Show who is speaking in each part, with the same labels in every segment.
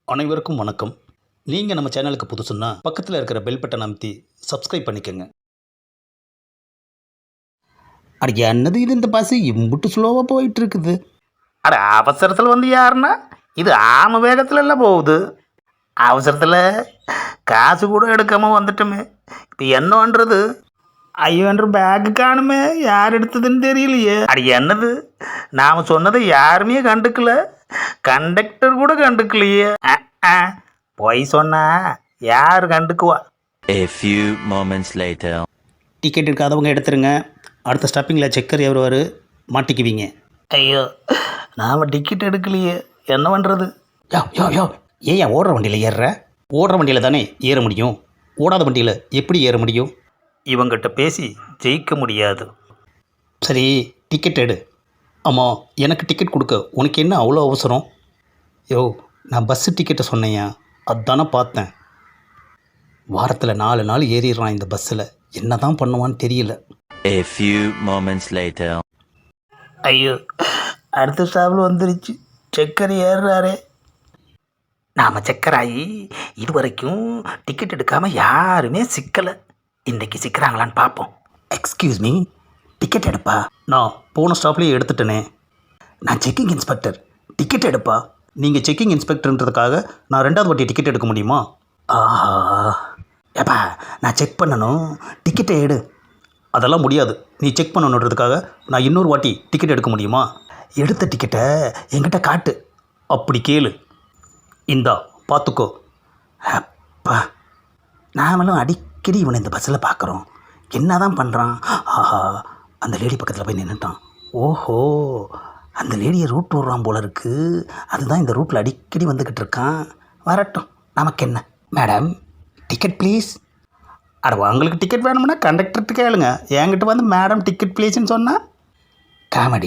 Speaker 1: அனைவருக்கும் வணக்கம். நீங்கள் நம்ம சேனலுக்கு புதுசுன்னா பக்கத்தில் இருக்கிற பெல் பட்டன் அமைத்தி சப்ஸ்கிரைப் பண்ணிக்கோங்க. அட என்னது இது, இந்த பஸ் இம்புட்டு ஸ்லோவாக போயிட்டு இருக்குது.
Speaker 2: அட அவசரத்தில் வந்து யாருன்னா இது ஆம வேகத்தில் எல்லாம் போகுது. அவசரத்தில் காசு கூட எடுக்காமல் வந்துட்டோமே, இப்போ என்ன பண்ணுறது? ஐயோ என்ற பேக்கு காணுமே, யார் எடுத்ததுன்னு தெரியலையே. அட என்னது, நாம் சொன்னதை யாருமே கண்டுக்கல, கண்டக்டர் கூட கண்டுக்கலையே. பொய் சொன்னா யார் கண்டுக்குவா?
Speaker 3: A few moments later.
Speaker 1: Ticket இருக்காதவங்க எடுத்துருங்க. அடுத்த ஸ்டாப்பிங்கில் செக்கர் ஏறுவார், மாட்டிக்குவீங்க.
Speaker 2: ஐயோ நாம் டிக்கெட் எடுக்கலையே, என்ன பண்ணுறது?
Speaker 1: யோ யோ யோ, ஏன் ஓடுற வண்டியில் ஏறுற? ஓடுற வண்டியில் தானே ஏற முடியும், ஓடாத வண்டியில் எப்படி ஏற முடியும்?
Speaker 2: இவங்கிட்ட பேசி ஜெயிக்க முடியாது.
Speaker 1: சரி, டிக்கெட் எடு. ஆமாம், எனக்கு டிக்கெட் கொடுக்க உனக்கு என்ன அவ்வளோ அவசரம்? யோ, நான் பஸ்ஸு டிக்கெட்டை சொன்னேயா, அதானே பார்த்தேன். வாரத்தில் 4 நாள் ஏறிடுறான் இந்த பஸ்ஸில், என்ன தான் பண்ணுவான்னு தெரியல.
Speaker 3: A few moments later.
Speaker 2: ஐயோ அடுத்த ஸ்டாப்பில் வந்துருச்சு, செக்கர் ஏறுறாரே. நாம் செக்கராகி இது வரைக்கும் டிக்கெட் எடுக்காமல் யாருமே சிக்கலை. இன்றைக்கி சிக்கிறாங்களான்னு பார்ப்போம்.
Speaker 1: எக்ஸ்கியூஸ் மீ, டிக்கெட் எடுப்பா. நான் போன ஸ்டாப்லேயே எடுத்துட்டேனே. நான் செக்கிங் இன்ஸ்பெக்டர், டிக்கெட் எடுப்பா. நீங்கள் செக்கிங் இன்ஸ்பெக்டர்ன்றதுக்காக நான் 2வது வாட்டி டிக்கெட் எடுக்க முடியுமா? ஆஹா, ஏப்பா நான் செக் பண்ணணும், டிக்கெட்டை எடு. அதெல்லாம் முடியாது. நீ செக் பண்ணணுன்றதுக்காக நான் இன்னொரு வாட்டி டிக்கெட் எடுக்க முடியுமா? எடுத்த டிக்கெட்டை என்கிட்ட காட்டு. அப்படி கேளு. இந்தா பார்த்துக்கோ. அப்பா, நாமளும் அடிக்கடி இவனை இந்த பஸ்ஸில் பார்க்குறோம், என்ன தான் பண்ணுறான்? ஆஹா, அந்த லேடி பக்கத்தில் போய் நின்றுட்டான். ஓஹோ, அந்த லேடியை ரூட் விடுறான் போல இருக்குது. அதுதான் இந்த ரூட்டில் அடிக்கடி வந்துக்கிட்டு இருக்கான். வரட்டும், நமக்கு என்ன. Madam, ticket please. அட, உங்களுக்கு டிக்கெட் வேணும்னா கண்டக்டர்கிட்ட கேளுங்க, என்கிட்ட வந்து மேடம் டிக்கெட் ப்ளீஸ்ன்னு சொன்னால் காமெடி.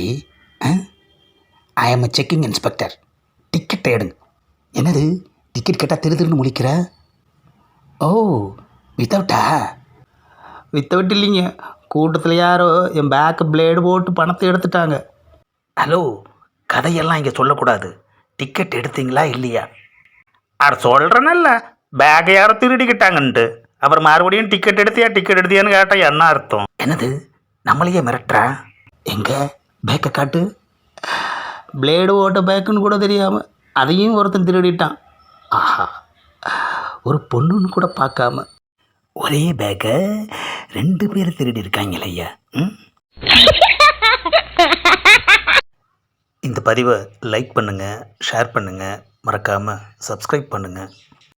Speaker 1: ஐ எம் செக்கிங் இன்ஸ்பெக்டர், டிக்கெட்டை எடுங்க. என்னது, டிக்கெட் கேட்டால் திருன்னு முழிக்கிற? ஓ, வித்தவுட்டா? வித்தவுட் இல்லைங்க, கூட்டத்தில் யாரோ என் பேக்கு பிளேடு போட்டு பணத்தை எடுத்துட்டாங்க.
Speaker 2: ஹலோ, கதையெல்லாம் இங்கே சொல்லக்கூடாது. டிக்கெட் எடுத்தீங்களா இல்லையா? அட சொல்கிறேன்னல்ல, பேக்கை யாரோ திருடிக்கிட்டாங்கன்ட்டு. அப்புறம் மறுபடியும் டிக்கெட் எடுத்தியான்னு கேட்டால் என்ன அர்த்தம்? என்னது, நம்மளையே மிரட்டுறா?
Speaker 1: எங்கே பேக்கை காட்டு. பிளேடு ஓட்ட பேக்குன்னு கூட தெரியாமல் அதையும் ஒருத்தன் திருடிட்டான். ஆஹா, ஒரு பொண்ணுன்னு கூட பார்க்காம
Speaker 2: ஒரே பேக்கை 2 பேர் திருடி இருக்காங்களே ஐயா.
Speaker 1: இந்த பதிவை லைக் பண்ணுங்கள், ஷேர் பண்ணுங்கள், மறக்காமல் சப்ஸ்கிரைப் பண்ணுங்கள்.